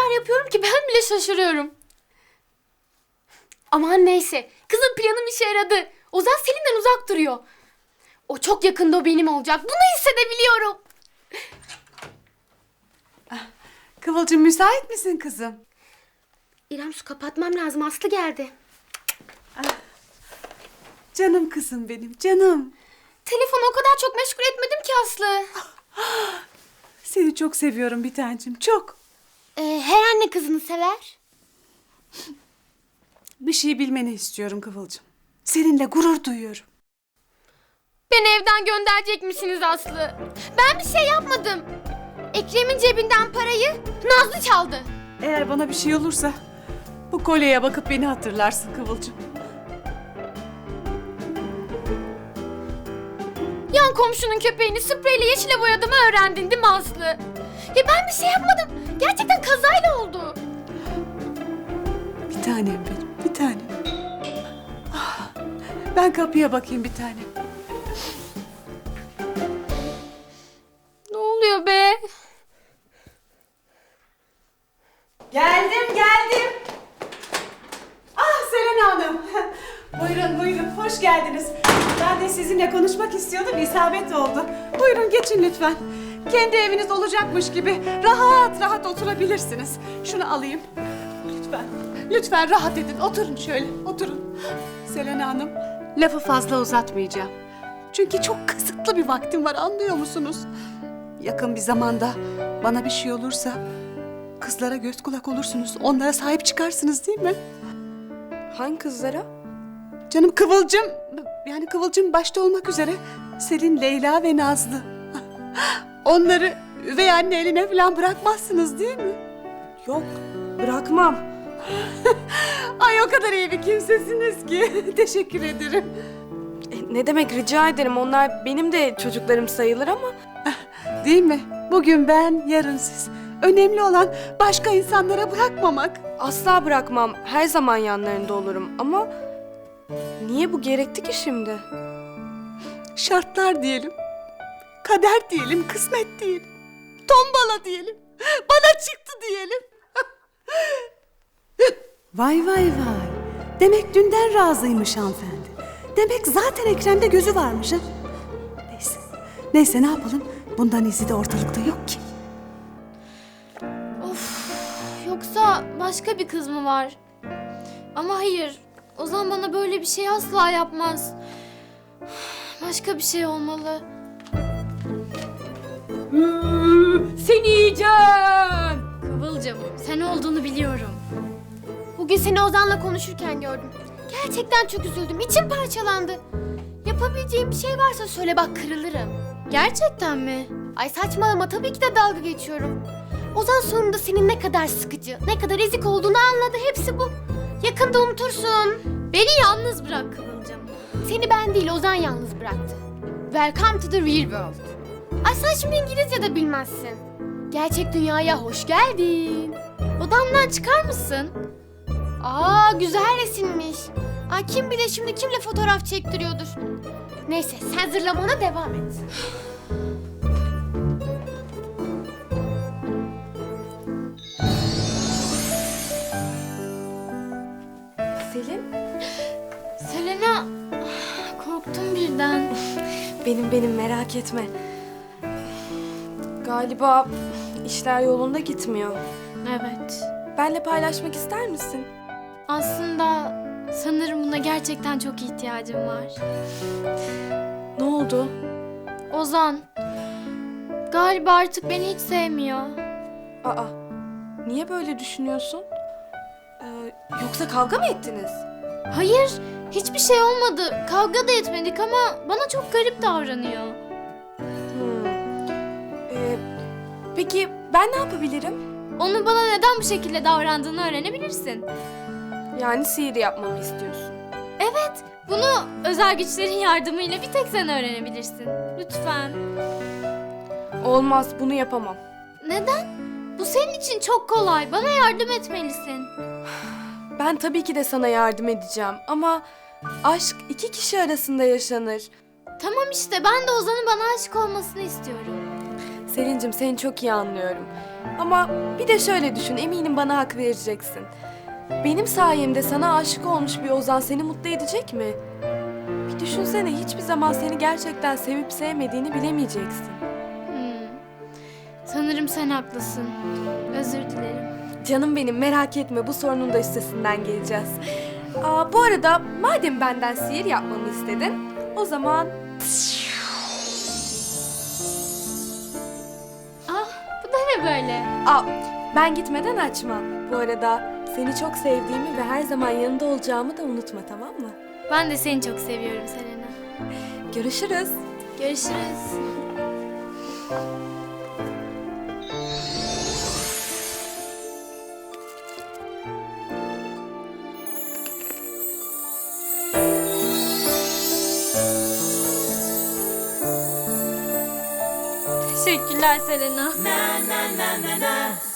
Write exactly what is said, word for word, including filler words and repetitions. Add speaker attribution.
Speaker 1: şeyler yapıyorum ki ben bile şaşırıyorum. Aman neyse. Kızım planım işe yaradı. Ozan Selim'den uzak duruyor. O çok yakında o benim olacak. Bunu hissedebiliyorum.
Speaker 2: Kıvılcım müsait misin kızım?
Speaker 1: İrem su kapatmam lazım. Aslı geldi.
Speaker 2: Canım kızım benim, canım.
Speaker 1: Telefonu o kadar çok meşgul etmedim ki Aslı.
Speaker 2: Seni çok seviyorum bir tancım, çok.
Speaker 1: Ee, her anne kızını sever.
Speaker 2: Bir şey bilmeni istiyorum Kıvılcım. Seninle gurur duyuyorum.
Speaker 1: Beni evden gönderecek misiniz Aslı? Ben bir şey yapmadım. Ekrem'in cebinden parayı Nazlı çaldı.
Speaker 2: Eğer bana bir şey olursa bu kolyeye bakıp beni hatırlarsın Kıvılcım.
Speaker 1: Yan komşunun köpeğini spreyle yeşile boyadığımı öğrendin değil mi Aslı? Ya ben bir şey yapmadım. Gerçekten kazayla oldu.
Speaker 2: Bir tanem benim, bir tanem. Ah, ben kapıya bakayım bir tanem.
Speaker 1: Ne oluyor be?
Speaker 2: Geldim, geldim. Ah Selena Hanım. Buyurun, buyurun. Hoş geldiniz. Ben de sizinle konuşmak istiyordum. İsabet oldu. Buyurun geçin lütfen. Kendi eviniz olacakmış gibi rahat rahat oturabilirsiniz. Şunu alayım. Lütfen, lütfen rahat edin. Oturun şöyle, oturun. Selena Hanım, lafı fazla uzatmayacağım. Çünkü çok kısıtlı bir vaktim var, anlıyor musunuz? Yakın bir zamanda bana bir şey olursa kızlara göz kulak olursunuz. Onlara sahip çıkarsınız değil mi?
Speaker 3: Hangi kızlara?
Speaker 2: Canım Kıvılcım, yani Kıvılcım başta olmak üzere Selin, Leyla ve Nazlı. Onları üvey anne eline falan bırakmazsınız değil mi?
Speaker 3: Yok, bırakmam.
Speaker 2: Ay o kadar iyi bir kimsesiniz ki. Teşekkür ederim.
Speaker 3: E, ne demek, rica ederim. Onlar benim de çocuklarım sayılır ama...
Speaker 2: Değil mi? Bugün ben, yarın siz. Önemli olan başka insanlara bırakmamak.
Speaker 3: Asla bırakmam. Her zaman yanlarında olurum ama... Niye bu gerekti ki şimdi?
Speaker 2: Şartlar diyelim. Kader diyelim, kısmet diyelim. Tombala diyelim. Bana çıktı diyelim. Vay vay vay. Demek dünden razıymış hanımefendi. Demek zaten Ekrem'de gözü varmış ha. Neyse. Neyse ne yapalım? Bundan izi de ortalıkta yok ki.
Speaker 1: Of, yoksa başka bir kız mı var? Ama hayır, Ozan bana böyle bir şey asla yapmaz. Başka bir şey olmalı. Seni yiyeceğim. Kıvılcım, sen olduğunu biliyorum. Bugün seni Ozan'la konuşurken gördüm. Gerçekten çok üzüldüm, içim parçalandı. Yapabileceğim bir şey varsa söyle bak, kırılırım. Gerçekten mi? Ay saçmalama, tabii ki de dalga geçiyorum. Ozan sonunda senin ne kadar sıkıcı, ne kadar ezik olduğunu anladı, hepsi bu. Yakında unutursun. Beni yalnız bırak Kıvılcım. Seni ben değil, Ozan yalnız bıraktı. Welcome to the real world. Ay sen şimdi İngilizce de bilmezsin. Gerçek dünyaya hoş geldin. Odamdan çıkar mısın? Aa güzel resimmiş. Ay kim bilir şimdi kimle fotoğraf çektiriyordur. Neyse sen zırlamana devam et.
Speaker 3: Selin?
Speaker 1: Selena, korktum birden.
Speaker 3: Benim benim, merak etme. Galiba işler yolunda gitmiyor.
Speaker 1: Evet.
Speaker 3: Benle paylaşmak ister misin?
Speaker 1: Aslında sanırım buna gerçekten çok ihtiyacım var.
Speaker 3: Ne oldu?
Speaker 1: Ozan, galiba artık beni hiç sevmiyor.
Speaker 3: Aa, niye böyle düşünüyorsun? Ee, yoksa kavga mı ettiniz?
Speaker 1: Hayır, hiçbir şey olmadı. Kavga da etmedik ama bana çok garip davranıyor.
Speaker 3: Hmm. Ee, peki ben ne yapabilirim?
Speaker 1: Onun bana neden bu şekilde davrandığını öğrenebilirsin.
Speaker 3: Yani sihir yapmamı istiyorsun.
Speaker 1: Evet, bunu özel güçlerin yardımıyla bir tek sen öğrenebilirsin. Lütfen.
Speaker 3: Olmaz, bunu yapamam.
Speaker 1: Neden? Bu senin için çok kolay. Bana yardım etmelisin.
Speaker 3: Ben tabii ki de sana yardım edeceğim ama aşk iki kişi arasında yaşanır.
Speaker 1: Tamam işte, ben de Ozan'ın bana aşık olmasını istiyorum.
Speaker 3: Selin'cim, seni çok iyi anlıyorum. Ama bir de şöyle düşün, eminim bana hak vereceksin. Benim sayemde sana aşık olmuş bir Ozan seni mutlu edecek mi? Bir düşünsene, hiçbir zaman seni gerçekten sevip sevmediğini bilemeyeceksin.
Speaker 1: Hmm. Sanırım sen haklısın. Özür dilerim.
Speaker 3: Canım benim, merak etme, bu sorunun da üstesinden geleceğiz. Aa, bu arada madem benden sihir yapmamı istedin, o zaman...
Speaker 1: Ah, bu da ne böyle?
Speaker 3: Aa, ben gitmeden açma. Bu arada seni çok sevdiğimi ve her zaman yanında olacağımı da unutma, tamam mı?
Speaker 1: Ben de seni çok seviyorum Selena.
Speaker 3: Görüşürüz.
Speaker 1: Görüşürüz. Teşekkürler Selena.